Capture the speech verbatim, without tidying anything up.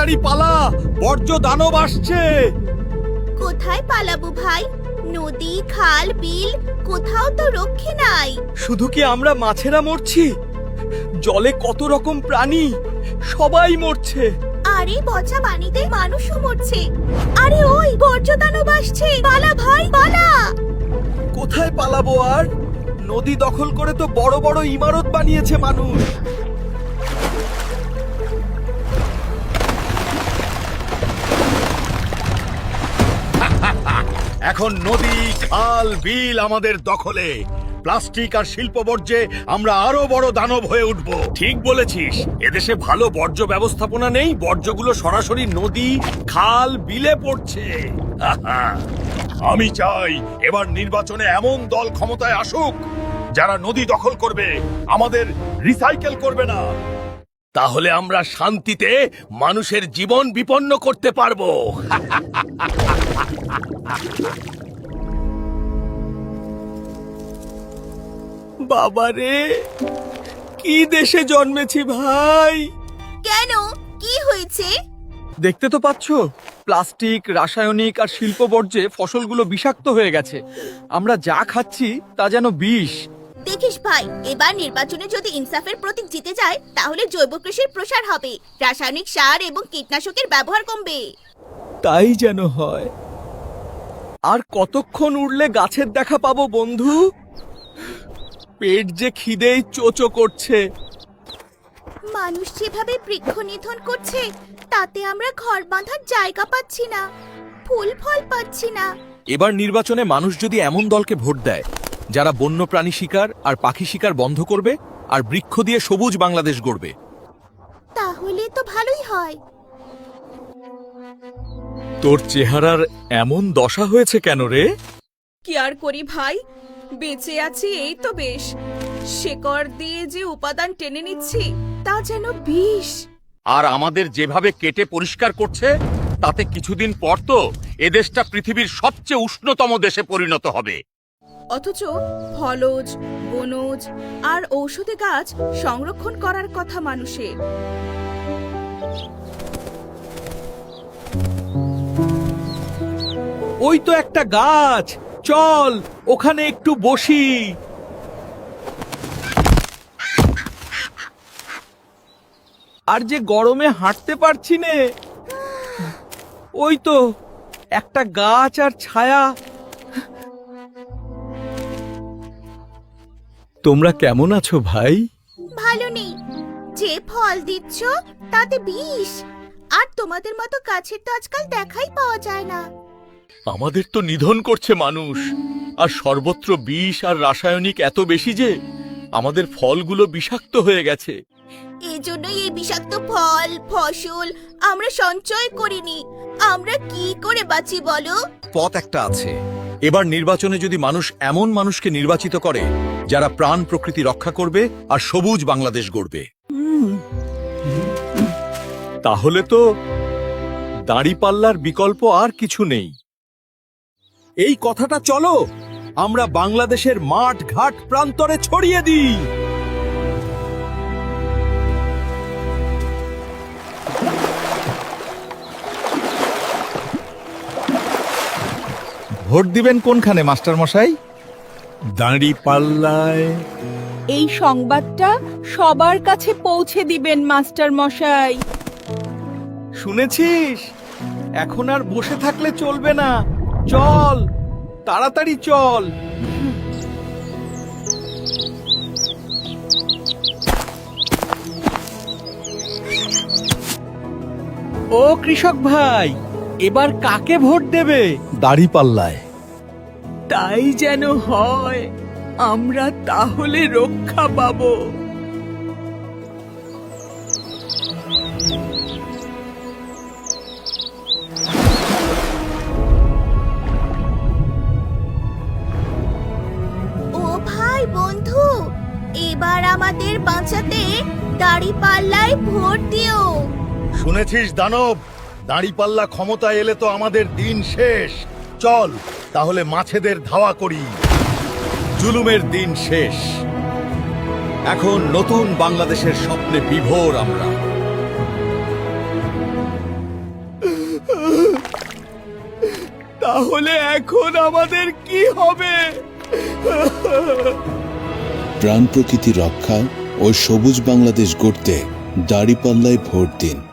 তাড়াতাড়ি পালা, বর্জ্য দানব আসছে। কোথায় পালাবো ভাই? নদী, খাল, বিল কোথাও তো রক্ষে নাই। শুধু কি আমরা মাছেরা মরছি? জলে কত রকম প্রাণী, সবাই মরছে। আরে পচা পানিতে মানুষও মরছে। আরে ওই বর্জ্য দানব আসছে, পালা ভাই পালা। কোথায় পালাবো আর? নদী দখল করে তো বড় বড় ইমারত বানিয়েছে মানুষ। এখন নদী, খাল, বিল আমাদের দখলে। প্লাস্টিক আর শিল্প বর্জ্যে আমরা আরো বড় দানব হয়ে উঠব। ঠিক বলেছিস, এদেশে ভালো বর্জ্য ব্যবস্থাপনা নেই, বর্জ্যগুলো সরাসরি নদী, খাল, বিলে পড়ছে। আমি চাই এবার নির্বাচনে এমন দল ক্ষমতায় আসুক যারা নদী দখল করবে, আমাদের রিসাইকেল করবে না। তাহলে আমরা শান্তিতে মানুষের জীবন বিপন্ন করতে পারবো। বাবারে, কি দেশে জন্মেছি ভাই। কেন, কি হয়েছে? দেখতে তো পাচ্ছ, প্লাস্টিক, রাসায়নিক আর শিল্প বর্জ্যে ফসলগুলো বিষাক্ত হয়ে গেছে। আমরা যা খাচ্ছি তা যেন বিষ। দেখিস ভাই, এবার নির্বাচনে যদি ইনসাফের প্রতীক জিতে যায় তাহলে জৈব কৃষির প্রসার হবে, রাসায়নিক সার এবং কীটনাশকের ব্যবহার কমবে। তাই যেন হয়। আর কতক্ষণ উড়লে গাছের দেখা পাবো বন্ধু? পেট যে খিদেই চোচো করছে। মানুষ যেভাবে বৃক্ষ নিধন করছে তাতে আমরা ঘর বাঁধার জায়গা পাচ্ছি না, ফুল ফল পাচ্ছি না। এবার নির্বাচনে মানুষ যদি এমন দলকে ভোট দেয় যারা বন্যপ্রাণী শিকার আর পাখি শিকার বন্ধ করবে আর বৃক্ষ দিয়ে সবুজ বাংলাদেশ গড়বে, তাহলে তো ভালোই হয়। তোর চেহারার এমন দশা হয়েছে কেন রে? কি আর করি ভাই, বেঁচে আছি এই তো বেশ। শেকড় দিয়ে যে উপাদান টেনে নিচ্ছি তা যেন বিষ। আর আমাদের যেভাবে কেটে পরিষ্কার করছে তাতে কিছুদিন পর তো এদেশটা পৃথিবীর সবচেয়ে উষ্ণতম দেশে পরিণত হবে। অথচ ফলজ, বনজ আর ঔষধি গাছ সংরক্ষণ করার কথা মানুষের। ওই তো একটা গাছ, চল ওখানে একটু বসি। আর যে গরমে হাঁটতে পারছি নে। ওই তো একটা গাছ আর ছায়া। তোমরা কেমন আছো ভাই? ভালো নেই, যে ফল দিচ্ছ তাতে বিষ। আর তোমাদের মতো গাছের তো আজকাল দেখাই পাওয়া যায় না। আমাদের তো নিধন করছে মানুষ, আর সর্বত্র বিষ আর রাসায়নিক এত বেশি যে আমাদের ফলগুলো বিষাক্ত হয়ে গেছে। এই জন্যই এই বিষাক্ত ফল, ফসল আমরা সঞ্চয় করিনি। আমরা কি করে বাঁচি বলো? পথ একটা আছে। এবার নির্বাচনে যদি মানুষ এমন মানুষকে নির্বাচিত করে যারা প্রাণ প্রকৃতি রক্ষা করবে আর সবুজ বাংলাদেশ গড়বে, তাহলে তো দাঁড়িপাল্লার বিকল্প আর কিছু নেই। এই কথাটা চলো আমরা বাংলাদেশের মাঠ ঘাট প্রান্তরে ছড়িয়ে দিই। ভোট দিবেন কোনখানে মাস্টার মশাই? দাঁড়িপাল্লায়। এই সংবাদটা সবার কাছে পৌঁছে দিবেন মাস্টার মশাই। শুনেছিস? এখন আর বসে থাকলে চলবে না, চল তাড়াতাড়ি চল। ও কৃষক ভাই, এবার কাকে ভোট দেবে? দাঁড়িপাল্লায়। তাই যেন হয়, আমরা তাহলে রক্ষা পাবো। ও ভাই বন্ধু, এবার আমাদের বাঁচাতে দাঁড়িপাল্লায় ভোট দিও। শুনেছিস দানব, দাঁড়িপাল্লা ক্ষমতায় এলে তো আমাদের দিন শেষ। চল তাহলে মাছেদের ধাওয়া করি। জুলুমের দিন শেষ। এখন নতুন বাংলাদেশের স্বপ্নে বিভোর আমরা। তাহলে এখন আমাদের কি হবে? প্রাণ প্রকৃতি রক্ষা ও সবুজ বাংলাদেশ গড়তে দাঁড়িপাল্লায় ভোট দিন।